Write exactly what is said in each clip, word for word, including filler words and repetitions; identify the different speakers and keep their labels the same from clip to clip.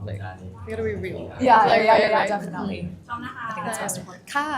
Speaker 1: like we gotta be real
Speaker 2: yeah
Speaker 1: like,
Speaker 2: yeah
Speaker 1: right,
Speaker 2: yeah
Speaker 1: right.
Speaker 2: definitely
Speaker 3: ชอบนะคะ
Speaker 2: I think that's most important ค่ะ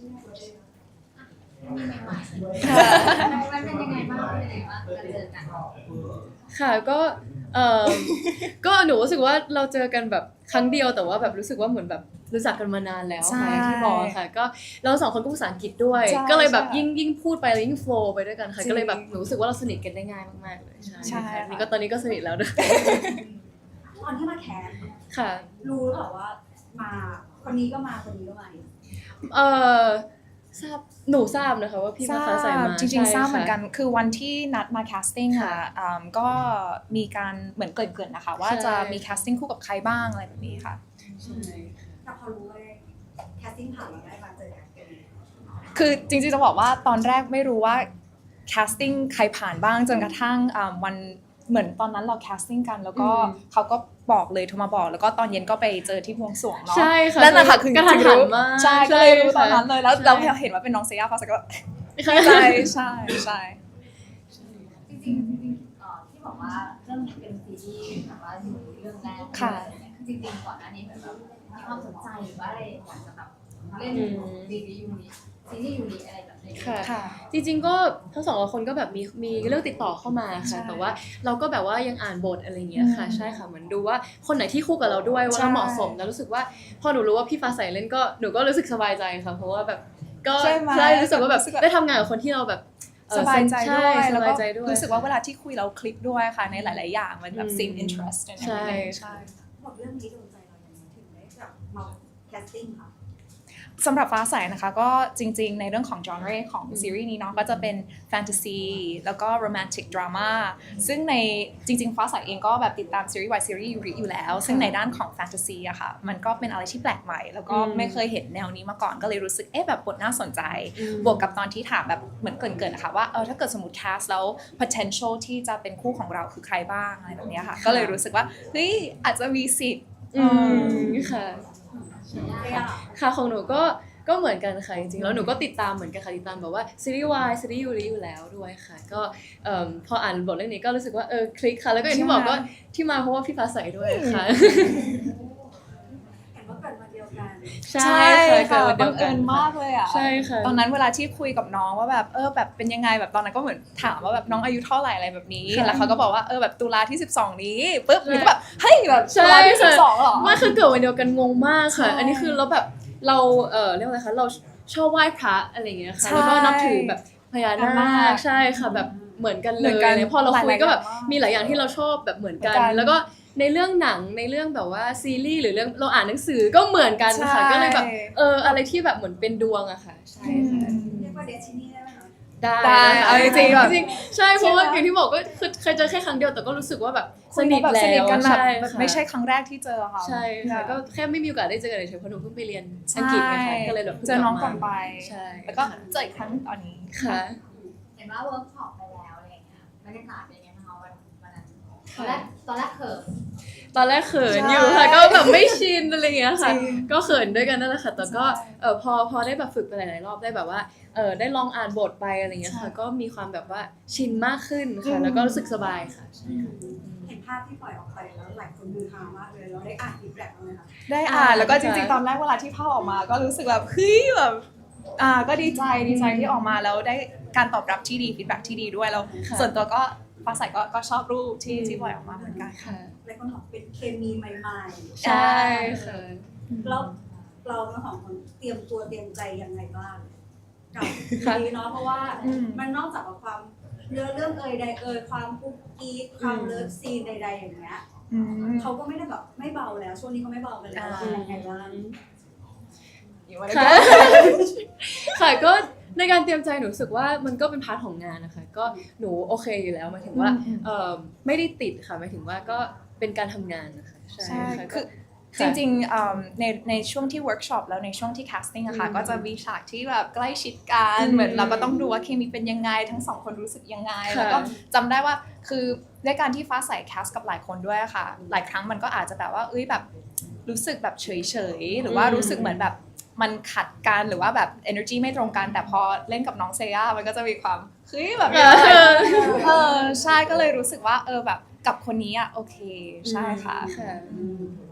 Speaker 3: มันเป็นยังไงบ้างเป็นยังไงบ้างการเจอกัน
Speaker 1: ค่ะก็เออก็หนูรู้สึกว่าเราเจอกันแบบครั้งเดียวแต่ว่าแบบรู้สึกว่าเหมือนแบบรู้จักกันมานานแล้ว
Speaker 2: ใช่
Speaker 1: ค่ะที่บอกค่ะก็เราสองคนก็ภาษาอังกฤษด้วย
Speaker 2: ใช่
Speaker 1: ก็เลยแบบ
Speaker 2: ใช่
Speaker 1: ยิ่งยิ่งพูดไปแล้วยิ่งโฟล์ไปด้วยกันค่ะ
Speaker 2: จริง
Speaker 1: ก็เลยแบบหนูรู้สึกว่าเราสนิทกันได้ง่ายมากๆเลยใช่
Speaker 2: ใช่
Speaker 1: ค่ะ
Speaker 2: ค่ะ
Speaker 1: นี่ก็ตอนนี้ก็สนิทแล้วด้วย
Speaker 3: ตอนที่มาแคส
Speaker 1: ค่ะ
Speaker 3: รู้หรือเปล่าว่ามาคนนี้ก็มาคนนี้ก็มา
Speaker 1: เออทราบหนูทราบนะคะว่าพี่
Speaker 2: ทรา
Speaker 1: ฟ้าใสมา
Speaker 2: บจริงๆทราบเหมือนกัน
Speaker 1: ใช่
Speaker 2: คือวันที่นัดมาแคสติ้ง
Speaker 1: ค่ะ
Speaker 2: อ่ะอืมก็มีการเหมือนเกรินๆนะคะ ว่า
Speaker 1: ใช่
Speaker 2: จะมีแคสติ้งคู่กับใครบ้างอะไรแบบนี้ค่ะ
Speaker 1: ใช่
Speaker 3: แต่พอรู้เลยแคสติ้งผ่านเราได้มาเจอกัน
Speaker 2: คือจริงๆจะบอกว่าตอนแรกไม่รู้ว่าแคสติ้งใครผ่านบ้างจนกระทั่งอ่าวันเหมือนตอนนั้นเราแคสติ้งกันแล้วก็เขาก็บอกเลยโทรมาบอกแล้วก็ตอนเย็นก็ไปเจอที่บวงสรวงเนาะ
Speaker 1: ใช่ค่ะ
Speaker 2: นั่นแหละค่ะคือก
Speaker 1: ระทัน
Speaker 2: จริงๆ
Speaker 1: หัน
Speaker 2: รู้
Speaker 1: มาก
Speaker 2: ใช่ก็เลยรู้ตอนนั้น
Speaker 1: ค่ะ
Speaker 2: เลยแล้ว
Speaker 1: ใช่
Speaker 2: เราเห็นว่าเป็นน้องเซียาฟ้าใสก็
Speaker 1: ใช่
Speaker 2: ใช่ใช่ใช่
Speaker 3: จริงๆจริงๆเอ่อที่บอกว่าเรื่องนี้เป็นซีรีส์แบบว่าอยู่เรื่องแรก
Speaker 2: ค่ะ
Speaker 3: จริงๆก่อนหน้านี้เหมือนแบบมีความสนใจหรือว่าอะไรอยากจะแบบเล่นซีรีส์ยูนิซีรีส์ยูนิอะไรแบบนี้
Speaker 1: ค่ะ
Speaker 2: ค่ะ
Speaker 1: จริงๆก็ทั้งสองคนก็แบบมีมีเรื่องติดต่อเข้ามา
Speaker 2: ใช่
Speaker 1: ค่ะแต่ว่าเราก็แบบว่ายังอ่านบทอะไรอย่างเงี้ยค่ะ
Speaker 2: อืม
Speaker 1: ใช่ค่ะเหมือนดูว่าคนไหนที่คู่กับเราด้วยว่า
Speaker 2: ใช่
Speaker 1: เราเหมาะสมแล้วรู้สึกว่าพอหนูรู้ว่าพี่ฟ้าใสเล่นก็หนูก็รู้สึกสบายใจค่ะเพราะว่าแบบก็
Speaker 2: ใช่ไหม
Speaker 1: ใช่รู้สึกว่าแบบ
Speaker 2: รู้สึกแบบ
Speaker 1: ได้ทำงานกับคนที่เราแบบเอ่อ
Speaker 2: สบายใจ
Speaker 1: ใช่
Speaker 2: ด้วย
Speaker 1: ส
Speaker 2: แล้ว
Speaker 1: บา
Speaker 2: ก็
Speaker 1: ยใจด้วย
Speaker 2: รู้สึกว่าเวลาที่คุยเราคลิกด้วยค่ะในหลาย ๆ อย่างมันแบบ
Speaker 1: อืม
Speaker 2: same interest ใน
Speaker 1: ใช่
Speaker 2: ใช่
Speaker 3: บอกเรื่องนี้โดนใจเราอย่างไรถึงได้แบบมาแคสติ้งค่ะ
Speaker 2: สำหรับฟ้าใสนะคะก็จริงๆในเรื่องของ genre ของซีรีส์นี้เนาะก็จะเป็นแฟนตาซีแล้วก็โรแมนติกดราม่าซึ่งในจริงๆฟ้าใสเองก็แบบติดตามซีรีส์วายซีรีส์ยูริอยู่แล้ว ซึ่งในด้านของแฟนตาซีอะค่ะมันก็เป็นอะไรที่แปลกใหม่ แล้วก็
Speaker 1: อืม
Speaker 2: ไม่เคยเห็นแนวนี้มาก่อนก็เลยรู้สึกเอ๊ะแบบบทน่าสนใจ
Speaker 1: อืม
Speaker 2: บวกกับตอนที่ถามแบบเหมือนเกรินๆนะคะว่าเออถ้าเกิดสมมติ cast แล้ว potential ที่จะเป็นคู่ของเราคือใครบ้างอะไรแบบเนี้ยค่ะก็เลยรู้สึกว่าเฮ้ยอาจจะมีสิทธิ์
Speaker 1: อืมค่ะ
Speaker 3: ได้อะ
Speaker 1: ค่ะของหนูก็ก็เหมือนกันค่ะจริงๆแล้วหนูก็ติดตามเหมือนกันค่ะติดตามแบบว่าซีรีส์วายซีรีส์ยูริอยู่แล้วด้วยค่ะก็เอ่อพออ่านบทเรื่องนี้ก็รู้สึกว่าเออคลิกค่ะแล้วก็อย่างที่บอกก็ที่มาเพราะว่าพี่ฟ้าใสด้วยค่ะ
Speaker 3: เห็นว่าเกิดวันเดียวกัน
Speaker 1: ใช่ค่ะ
Speaker 2: บั
Speaker 1: เกิ
Speaker 2: ง
Speaker 1: ดวันเดียวกั
Speaker 2: เอิ
Speaker 1: น
Speaker 2: ญมากเลยอ่ะ
Speaker 1: ใช่ค่ะ
Speaker 2: ตอนนั้นเวลาที่คุยกับน้องว่าแบบเออแบบเป็นยังไงแบบตอนนั้นก็เหมือนถามว่าแบบน้องอายุเท่าไหร่อะไรแบบนี้
Speaker 1: ค่ะ
Speaker 2: แล้วเขาก็บอกว่าเออแบบตุลาที่สิบสองนี้ปุ๊บหนูก็แบบเฮ้ยแบบ
Speaker 1: ใช่
Speaker 2: ตุลาที่สิบสองเหรอ
Speaker 1: ไม่คือเกิดวันเดียวกันงงมากค่ะ
Speaker 2: ใช่
Speaker 1: อันนี้คือเราแบบเราเออเรียกว่าอะไรคะเราชอบไหว้พระอะไรอย่างเงี้ยค่ะ
Speaker 2: ใช่
Speaker 1: แล้วก็นับถือแบบพญา
Speaker 2: พญา
Speaker 1: นา
Speaker 2: นา
Speaker 1: ค
Speaker 2: ค
Speaker 1: ใช่ค่ะแบบเหมือนกัน
Speaker 2: เห
Speaker 1: เล
Speaker 2: มือย นกัน
Speaker 1: อะไรพอเราคุยก็แบบ
Speaker 2: หลายๆอย่างมาก
Speaker 1: มีหลายอย่างที่เราชอบแบบเหมือนกัน
Speaker 2: เหมือนกัน
Speaker 1: แล้วก็ในเรื่องหนังในเรื่องแบบว่าซีรีส์หรือเรื่องเราอ่านหนังสือก็เหมือนกันค่ะ
Speaker 2: ใช่
Speaker 1: ก็เลยแบบเอออะไรที่แบบเหมือนเป็นดวงอะค่ะใช่ค่ะ
Speaker 3: เรียกว่าเดชินี่ได้ไหมคะ
Speaker 1: ได้
Speaker 2: ได้
Speaker 1: นะคะ
Speaker 2: เอาจริงๆแบบ
Speaker 1: จริงๆใช่เพราะว่า
Speaker 2: ใช่ไหม
Speaker 1: อย่างที่บอกก็คือเคยเจอแค่ครั้งเดียวแต่ก็รู้สึกว่าแบบสนิท
Speaker 2: แบบ
Speaker 1: แล้
Speaker 2: สนิท
Speaker 1: ว
Speaker 2: กันแบบ
Speaker 1: ใช่
Speaker 2: แบบ
Speaker 1: ค่ะ
Speaker 2: ไม่ใช่ครั้งแรกที่เจอค่ะ
Speaker 1: ใช่ค่ะก็แค่ไม่มีโอกาสได้เจอกันเฉยๆเพราะหนูเพิ่งไปเรียนอัง
Speaker 2: ใช่
Speaker 1: กฤษไงคะก็เลยแบบพิ่
Speaker 2: เจอน้อง
Speaker 1: ลับ
Speaker 2: ก่อนไป
Speaker 1: ใช่
Speaker 2: แล้วก็เจออีกครั้งตอนนี้
Speaker 1: ค่ะ
Speaker 3: เห็นว่าเวิร์กช็อปไปแล้วอะไรอย่างเงี้ยบรรยากาศเป็นยังไงบ้างคะวันวันนั้นตอนแรกตอนแรกเขิน
Speaker 1: ตอนแรกเขิน
Speaker 2: ใช่
Speaker 1: อยู่ค่ะก็แบบไม่ชินอะไรอย่างเงี้ยค่ะ
Speaker 2: จริง
Speaker 1: ก็เขินด้วยกันนั่นแหละค่ะแต่ก็
Speaker 2: ใช่
Speaker 1: เออพอพอได้แบบฝึกไปหลายๆรอบได้แบบว่าเออได้ลองอ่านบทไปอะไรอย่างเงี้ยค่ะ
Speaker 2: ใช่
Speaker 1: ก็มีความแบบว่าชินมากขึ้น
Speaker 2: อื
Speaker 1: ค่ะ
Speaker 2: ม
Speaker 1: แล้วก็รู้สึกสบายค่ะใช่ค่ะ
Speaker 3: เห็นภาพที่ปล่อยออกไปแล้วหลายคนฮือฮามากเลยเราได้อ่านฟีดแบ็กบ้างไหมคะ
Speaker 2: ได้อ่านแล้วก็จริง
Speaker 1: ค่ะ
Speaker 2: ๆตอนแรกเวลาที่ภาพออกมาก็รู้สึกแบบเฮ้ยแบบอ่าก็ดีใจดีใจที่ออกมาแล้วได้การตอบรับที่ดีฟีดแบ็กที่ดีด้วยแล้ว
Speaker 1: ค่ะ
Speaker 2: ส่วนตัวก็ฟ้าใสก็ก็ชอบรูปที่
Speaker 1: อืม
Speaker 2: ที่ปล่อยออกมาเหมือนกัน
Speaker 1: ค่ะ
Speaker 3: หลายคนบอกเป็นเคมีใหม่
Speaker 1: ใช่ค่ะ
Speaker 3: ๆแล้วเราทั้งสองคนเตรียมตัวเตรียมใจยังไงบ้างกับ
Speaker 1: ค่ะ
Speaker 3: นี้เนาะเพราะว่า
Speaker 2: อืม
Speaker 3: มันนอกจากว่าความเนื้อเรื่องเอ่ยใดเอ่ยความกุ๊กกิ๊กความเลิฟซีนใดๆอย่างเงี้ย
Speaker 2: อืม
Speaker 3: เขาก็ไม่ได้แบบไม่เบาแล้วช่วงนี้เขาไม่เบากันแล้ว
Speaker 2: อ่า
Speaker 3: เป็นยังไงบ้าง
Speaker 2: อยู่วัน
Speaker 1: ค่ะ
Speaker 2: นี้
Speaker 1: ค่ะก็ในการเตรียมใจหนูรู้สึกว่ามันก็เป็นพาร์ทของงานนะคะก็หนูโอเคอยู่แล้วหมายถึงว่า
Speaker 2: อืม
Speaker 1: เออไม่ได้ติดค่ะหมายถึงว่าก็เป็นการทำงานนะคะใช่
Speaker 2: ใช่
Speaker 1: ค่ะ
Speaker 2: คือ
Speaker 1: ก็
Speaker 2: จริงๆอืมในในช่วงที่เวิร์กช็อปแล้วในช่วงที่แคสติ้งอะค่ะ
Speaker 1: อืม
Speaker 2: ก็จะมีฉากที่แบบใกล้ชิดกัน
Speaker 1: อืม
Speaker 2: เหมือนเราก็ต้องดูว่าเคมีเป็นยังไงทั้งสองคนรู้สึกยังไง
Speaker 1: ค่ะ
Speaker 2: แล้วก็จำได้ว่าคือด้วยการที่ฟ้าใสแคสกับหลายคนด้วยอะค่ะ หลายครั้งมันก็อาจจะแบบว่าเอ้ยแบบรู้สึกแบบเฉยๆหรือว่า
Speaker 1: อืม
Speaker 2: รู้สึกเหมือนแบบมันขัดกันหรือว่าแบบ energy ไม่ตรงกันแต่พอเล่นกับน้องเซย่ามันก็จะมีความเฮ้ยแบบ
Speaker 1: เออ
Speaker 2: เออใช่ก็เลยรู้สึกว่าเออแบบกับคนนี้อะโอเคใช่ค่ะ
Speaker 1: ค่ะ
Speaker 3: แ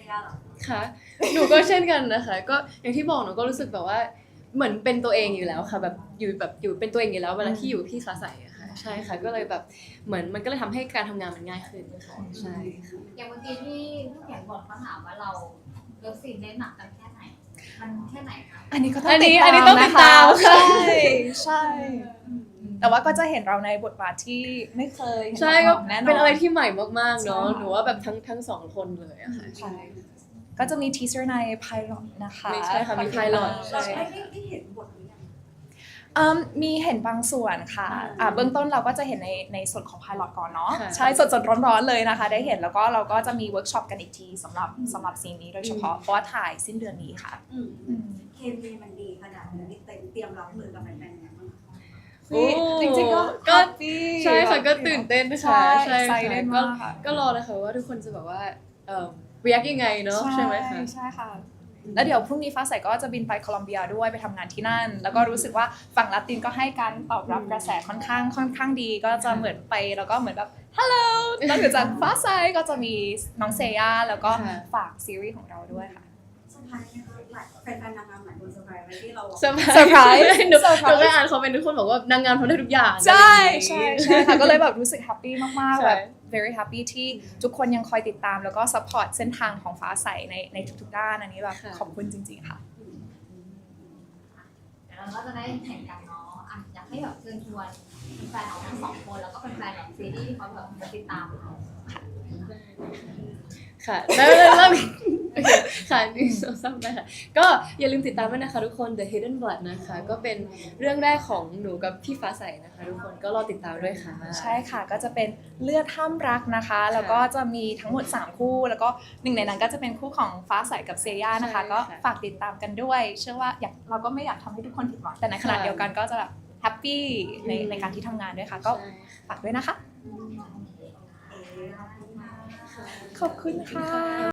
Speaker 3: ย่าเหรอ
Speaker 1: ค่ะ หนูก็เช่นกันนะคะ ก็อย่างที่บอกหนูก็รู้สึกแบบว่าเหมือนเป็นตัวเองอยู่แล้วค่ะแบบอยู่แบบอยู่เป็นตัวเองอยู่แล้วเวลาที่อยู่กับพี่ฟ้าใสอะค่ะใช่ค่ะก็เลยแบบเหมือนมันก็เลยทำให้การทำงานมันง่ายขึ้นค่ะใช่ค่ะ
Speaker 3: อย่างเมื่อกี้ที่ผู้เขียนบทเขาถามว่าเราเลิฟซีนเล่นหนักกันแค่ไหน มันแค่ไหนคะ
Speaker 2: อันนี้ก็ต้อง
Speaker 1: อันนี้
Speaker 2: ติดตาม
Speaker 1: อันนี้ต้องติดตาม
Speaker 2: นะคะ
Speaker 1: ค่ะ
Speaker 2: ใช่ใช่ แต่ว่าก็จะเห็นเราในบทบาทที่ไม่เคยเห็น
Speaker 1: ใช่
Speaker 2: มา
Speaker 1: ก็
Speaker 2: ก่อนแน่นอน
Speaker 1: เป็นอะไรที่ใหม่มากๆเนาะ
Speaker 2: ใช่
Speaker 1: หนูว่าแบบทั้งทั้งสองคนเลยอะค่ะ
Speaker 2: ใช่ก็จะมีทีเซอร์ในไพลอตนะคะ
Speaker 1: ไม่ใช่ค่ะมี pilot ใช่
Speaker 3: เราได้ได้เห็นบทหรือยัง
Speaker 2: อืมมีเห็นบางส่วนค่ะอ่าเบื้องต้นเราก็จะเห็นในในส่วนของไพลอตก่อนเนาะ
Speaker 1: ค่ะ
Speaker 2: ใช่สดๆร้อนๆเลยนะคะ ได้เห็นแล้วก็เราก็จะมีเวิร์กช็อปกันอีกทีสำหรับสำหรับซีนนี้โดยเฉพาะเพราะว่าถ่ายสิ้นเดือนนี้ค่ะ
Speaker 4: อืม
Speaker 2: อืม
Speaker 4: เคมีมันดีขนาดนี้เต็มเตรียมรับมือกับแฟนๆยังไงบ้างคะ
Speaker 1: โอ้
Speaker 2: จริงๆก็
Speaker 1: ก็
Speaker 2: happy
Speaker 1: ใช่ค่ะก็ตื่นเต้น
Speaker 2: ใช่
Speaker 1: ค่ะใช่ค่ะ
Speaker 2: excited
Speaker 1: ก็
Speaker 2: มากค่ะ
Speaker 1: ก็รอเลยค่ะว่าทุกคนจะแบบว่าเอ่อ react ยังไงเนาะใช่ไหมคะ
Speaker 2: ใช่ค่ะ แล้วเดี๋ยวพรุ่งนี้ฟ้าใสก็จะบินไปโคลอมเบียด้วยไปทำงานที่นั่น แล้วก็รู้สึกว่าฝั่งลาตินก็ให้การตอบรับกระแสค่อนข้างค่อนข้างดี ก็จะเหมือนไปแล้วก็เหมือนแบบฮัลโหลนอกจากฟ้าใสก็จะมีน้องเซย่าแล้วก็
Speaker 1: ค่ะ
Speaker 2: ฝากซีรีส์ของเราด้วยค่ะ
Speaker 4: เซอร์ไพรส์ไหมคะหลายแฟนๆนางงามหลายคนเซอร์ไพรส์ไหมที่เรา
Speaker 1: เซอร์ไพรส์
Speaker 2: เซอร์ไพรส์
Speaker 1: หนู
Speaker 2: เซอร์ไพรส์
Speaker 1: หนูเคยอ่านคอมเมนต์ทุกคนบอกว่านางงามทำได้ทุกอย่าง
Speaker 2: ใช่
Speaker 1: อะไรอย่าง
Speaker 2: ใช่
Speaker 1: งี้
Speaker 2: ใช่ค่ะก็เลยแบบรู้สึกแฮปปี้มาก
Speaker 1: ใช่
Speaker 2: ๆแบบ very happy ที่ทุกคนยังคอยติดตามแล้วก็ support เส้นทางของฟ้าใสในในทุกๆด้านอันนี้แบบขอบคุณจริง ๆ ค่ะ
Speaker 3: เดี๋ยวเราก็จะได้เห็นกันเนาะอ่ะอยากให้แบบเชิญชวนแฟนของทั้งสองคนแล้วก็เป็นแฟนแบบซีรีส์ที่เขาแบบจะติดตามเรา
Speaker 1: ค่ะแล้วแล้วแล้วโอเคค่ะนี่สองสามได้ค่ะก็อย่าลืมติดตามด้วยนะคะทุกคน The Hidden Blood นะคะ ก็เป็นเรื่องแรกของหนูกับพี่ฟ้าใสนะคะ ทุกคนก็รอติดตามด้วยค่ะ
Speaker 2: ใช่ค่ะก็จะเป็นเลือดห้ามรักนะคะ แล้วก็จะมีทั้งหมดสามคู่ แล้วก็หนึ่งในนั้นก็จะเป็นคู่ของฟ้าใสกับเซย่านะคะ
Speaker 1: ใช่ค่ะ
Speaker 2: ก็ฝากติดตามกันด้วย เชื่อว่าอยากเราก็ไม่อยากทำให้ทุกคนผิดหวังแต่ในขณะ
Speaker 1: ค่ะ
Speaker 2: เดียวกันก็จะแบบแฮปปี้ในในการที่ทำงานด้วยค่ะ ก็
Speaker 1: ใช่
Speaker 2: ฝากด้วยนะคะ
Speaker 4: เอ๋ขอบคุณค่ะ
Speaker 2: ขอบคุณค่ะ